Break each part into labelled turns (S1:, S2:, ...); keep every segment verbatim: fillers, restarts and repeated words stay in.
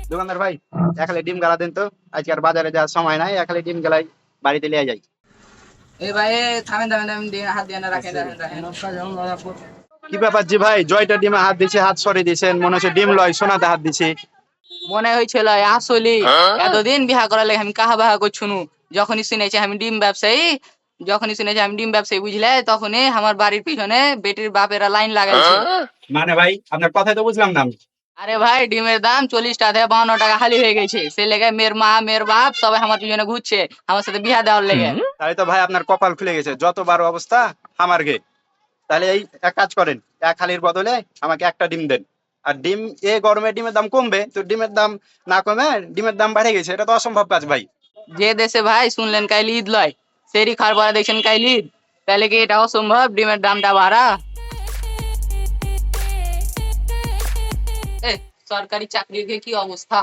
S1: দোকানদার ভাই, এক হালি ডিম গালা দেন তো। আজকে আর বাজারে যাওয়ার সময় নাই, এক হালি ডিম গালাই বাড়িতে লিয়ে যাই।
S2: এই ভাই এ, থামেন থামেন থামেন দিয়ে হাত দিয়ে না রাখেন রাখেন রাখেন
S1: কি ব্যাপার জি ভাই, জয়টা ডিমে হাত দিছে, হাত সরিয়ে দিয়েছেন, মনে হচ্ছে ডিম লয়, সোনাতে হাত দিছে।
S2: মনে হয়েছিল আসলে এতদিন বিহা করার লাগে আমি কাহা বাহা করছুনু। যখনই শুনেছি আমি ডিম ব্যবসায়ী, যখনই শুনেছি আমি ডিম ব্যবসায়ী বুঝলে, তখনই আমার বাড়ির পিছনে বেটির বাপেরা লাইন লাগাইছে।
S1: মানে ভাই আপনার কথাই তো বুঝলাম না আমি।
S2: আরে ভাই ডিমের দাম চল্লিশ টাকা থেকে বাউন্ন টাকা খালি হয়ে গেছে, সে লেগে মেয়ের মা মেয়ের বাপ সবাই আমার পিছনে ঘুরছে আমার সাথে বিহা দেওয়ার লেগে।
S1: তাহলে তো ভাই আপনার কপাল খুলে গেছে, যত বারো অবস্থা আমার গে। তাহলে এই এক কাজ করেন, এক হালির বদলে আমাকে একটা ডিম দেন। আর ডিম এ গরমে ডিমের দাম কমবে তো, ডিমের দাম না কমে ডিমের দাম বেড়ে গেছে, এটা তো অসম্ভব কাজ ভাই।
S2: যে দেশে ভাই শুনলেন কাইল ঈদ লয়, সেরি খাওয়ার পরে দেখছেন কাইল ঈদ, তাহলে কি এটা অসম্ভব ডিমের দামটা বাড়া? এ, সরকারি চাকরির কি অবস্থা?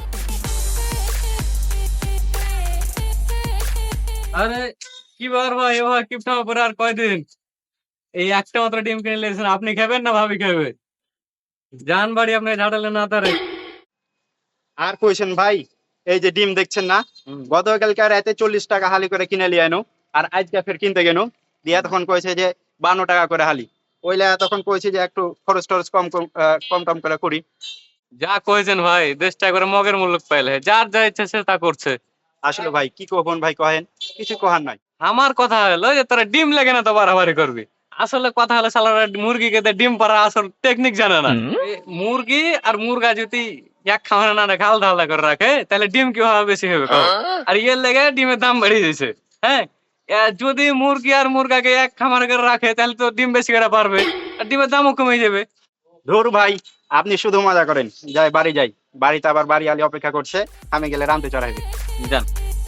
S3: আরে কি বার ভাই, এবার কিপটা পরে আর কয়দিন? এই একটা মাত্র ডিম কিনে নিয়েছেন, আপনি খাবেন না ভাবি খাবে? যান বাড়ি, আপনি ঝাড়ালে না তারে।
S1: আর কইছেন ভাই, এই যে ডিম দেখছেন না, গতকালকে রাতে চল্লিশ টাকা হালি করে কিনে লিয়ে আনো, আর আজকে ফের কিনতে গেল, দিয়া তখন কইছে যে বান্ন টাকা করে হালি। ওইলা তখন কইছে যে একটু খরচ টরচ কম কম আহ, কম টম করে করি।
S3: যা কয়েছেন ভাই, দেশটা করে মগের মূল্য পাইলে যার যা ইচ্ছা সে তা করছে।
S1: আসলে ভাই কি কখন ভাই কহেন, কিছু কহার নাই।
S3: আমার কথা হলো যে তোরা ডিম লেগে না তো বাড়াবাড়ি করবি। আসলে কথা হলো সালারা মুরগিকে দিয়ে ডিম পাড়া আসল টেকনিক জানে না। এই মুরগি আর মুরগা যদি এক খামারে না ঘাল ঢালা করে রাখে, তাহলে ডিম কিভাবে বেশি হবে কও? আর এর লেগে ডিমের দাম বেড়ে যাচ্ছে। হ্যাঁ, এ যদি মুরগি আর মুরগাকে এক খামারে করে রাখে, তাহলে তো ডিম বেশি করে পারবে আর ডিমের দামও কমে যাবে।
S1: ধুর ভাই, আপনি শুধু মজা করেন। যাই বাড়ি যাই, বাড়িতে আবার বাড়ি আলি অপেক্ষা করছে, আমি গেলে রামতে চড়াইবে।
S3: জান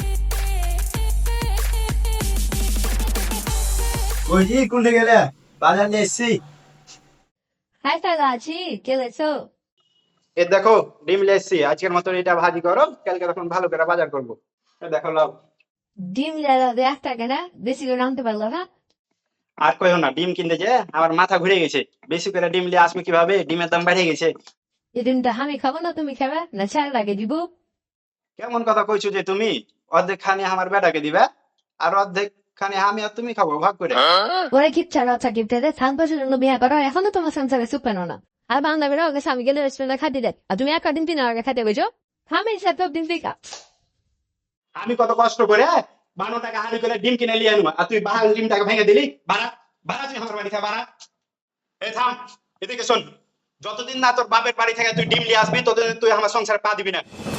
S4: বলছি কোনটা গেলে বাজার নিয়ে এসছি।
S5: হাই তাহলে আছি কে লেছো?
S1: এ দেখো ডিম লিয়ে এসছি, আজকের মতন এটা ভাজি করো, কালকে তখন ভালো করে বাজার করবো। এ দেখো লাও।
S5: ডিম লেলা দে একটা কেনা বেশি করে আনতে পারলো না।
S1: আর কইও না, ডিম কিনতে যে আমার মাথা ঘুরে গেছে। বেশি করে ডিম লিয়ে আসবে কিভাবে, ডিমের দাম বেড়ে গেছে।
S5: এই ডিমটা আমি খাবো না তুমি খাবে না ছাড় লাগে দিব।
S1: কেমন কথা কইছো যে তুমি? অর্ধেক খানি আমার বেটাকে দিবা, আর অর্ধেক খানি আমি আর তুমি খাবো ভাগ করে।
S5: ওরে কিচ্ছা রচা কিপতে দে সাত বছর জন্য বিয়ে করো এখনো তোমার সংসারে সুপ পেনো না। আর বান্ধবীরা ওকে স্বামী গেলে রেস্টুরেন্টে খাতে দেয় আর তুমি একটা দিন তিন আগে খাতে বেজো। আমি সাত দিন থেকে
S1: আমি কত কষ্ট করে বারো টাকা হাড়ি করে ডিম কিনে নিয়ে আনবো, আর তুই বাহাল ডিমটাকে ভেঙে দিলি। বাড়া বাড়া, তুই আমার বাড়ি থেকে বাড়া। এই থাম, এদিকে শোন, যতদিন না তোর বাপের বাড়ি থেকে তুই ডিম নিয়ে আসবি ততদিন তুই আমার সংসারে পা দিবি না।